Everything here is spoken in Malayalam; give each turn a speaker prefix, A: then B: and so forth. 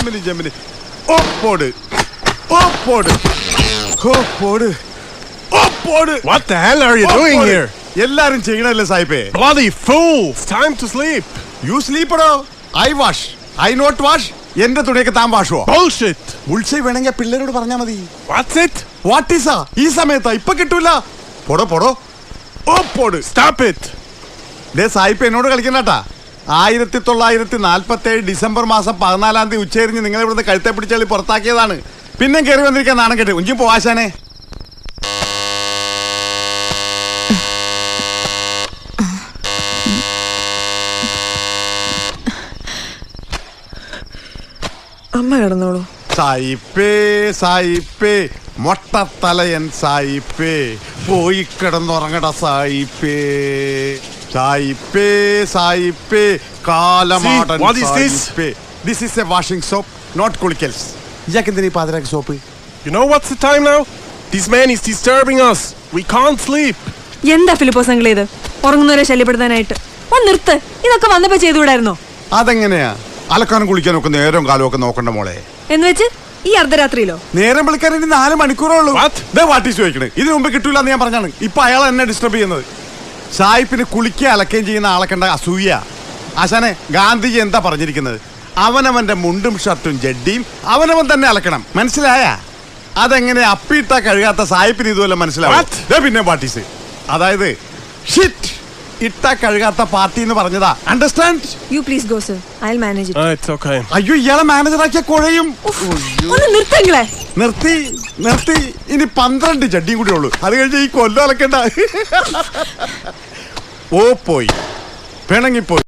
A: ജെമിനി. ഓ പോട്.
B: What the hell are you doing here?
A: എല്ലാരും ചെയ്യണല്ലേ സായിപ്പേ.
B: Bloody fool! It's time to sleep.
A: You sleep or I wash. I not wash. എന്റെ തുണിയൊക്കെ താൻ വാഷുവോ?
B: Bullshit.
A: ഉൾസൈ വേണമെങ്കിൽ പിള്ളേരോട് പറഞ്ഞാ മതി.
B: What's it?
A: What is a? ഈ സമയത്താ ഇപ്പൊ കിട്ടൂല. പോട്.
B: Stop it.
A: ദേ സായിപ്പ് എന്നോട് കളിക്കണ്ടാ. 1947 ഡിസംബർ മാസം 14 തീയതി ഉച്ചരിഞ്ഞ് നിങ്ങളെ ഇവിടുന്ന് കഴുത്തെ പിടിച്ചാൽ പുറത്താക്കിയതാണ്. പിന്നെ കയറി വന്നിരിക്കാൻ നാണം കേട്ട് ഉഞ്ചി പോവാശാനെ.
C: അമ്മ കിടന്നോളൂ.
A: സായിപ്പേ മൊട്ടത്തലയൻ സായിപ്പേ പോയി കിടന്നുറങ്ങട സായിപ്പേ കാലമാടൻ സായിപ്പേ. This is a washing soap, not കുളിക്കൽസ്. ഇയാക്കെന്തിനാ ഈ പാതിരാക്ക് soap?
B: You know what's the time now? This man is disturbing us. We can't sleep.
C: എന്താ ഫിലിപ്പോസ് അങ്കിൾ ഇത്? ഉറങ്ങുന്നവരെ ശല്യപ്പെടുത്താനായിട്ട് ഒന്ന് നിർത്ത്. ഇതൊക്കെ വന്നപ്പോ ചെയ്തുകൂടായിരുന്നോ?
A: അതെങ്ങനെയാ? അലക്കാനും കുളിക്കാനും ഒക്കെ നേരവും കാലവും ഒക്കെ നോക്കണ്ട മോളെ.
C: എന്ന് വെച്ച് ഈ അർദ്ധരാത്രിയിലോ?
A: നേരം വിളിക്കാൻ 4 മണിക്കൂറേ ഉള്ളൂ. വാട്ട് ഈസ് ചോദിക്കണേ? ഇതിനു മുമ്പ് കിട്ടൂല എന്ന് ഞാൻ പറഞ്ഞാണ്. ഇപ്പൊ അയാൾ എന്നെ ഡിസ്റ്റർബ് ചെയ്യുന്നത്. സായിപ്പിന് കുളിക്കുക അലക്കുകയും ചെയ്യുന്ന ആളെ കണ്ട അസൂയ. ആശാനെ, ഗാന്ധിജി എന്താ പറഞ്ഞിരിക്കുന്നത്? അവനവന്റെ മുണ്ടും ഷർട്ടും ജഡ്ഡിയും അവനവൻ തന്നെ അലക്കണം. മനസ്സിലായ? അതെങ്ങനെ അപ്പിയിട്ടാ കഴുകാത്ത സായിപ്പിന് ഇതുപോലെ മനസ്സിലാവും. പിന്നെ പാർട്ടീസ്, അതായത് ഷിറ്റ് ഇട്ടാ കഴുകാത്ത പാർട്ടി എന്ന് പറഞ്ഞതാ. Understand?
C: You please go sir, I will manage it.
B: It's okay.
A: അയ്യോ, ഇയാളെ മാനേജറാക്കിയ കുഴയും.
C: ഒന്ന് നിർത്തങ്ങളെ.
A: നിർത്തി. ഇനി 12 ജഡ്ഡിയും കൂടി ഉള്ളൂ. അത് കഴിഞ്ഞ് ഈ കൊല്ലം അലക്കണ്ട. പോയി പിണങ്ങിപ്പോയി.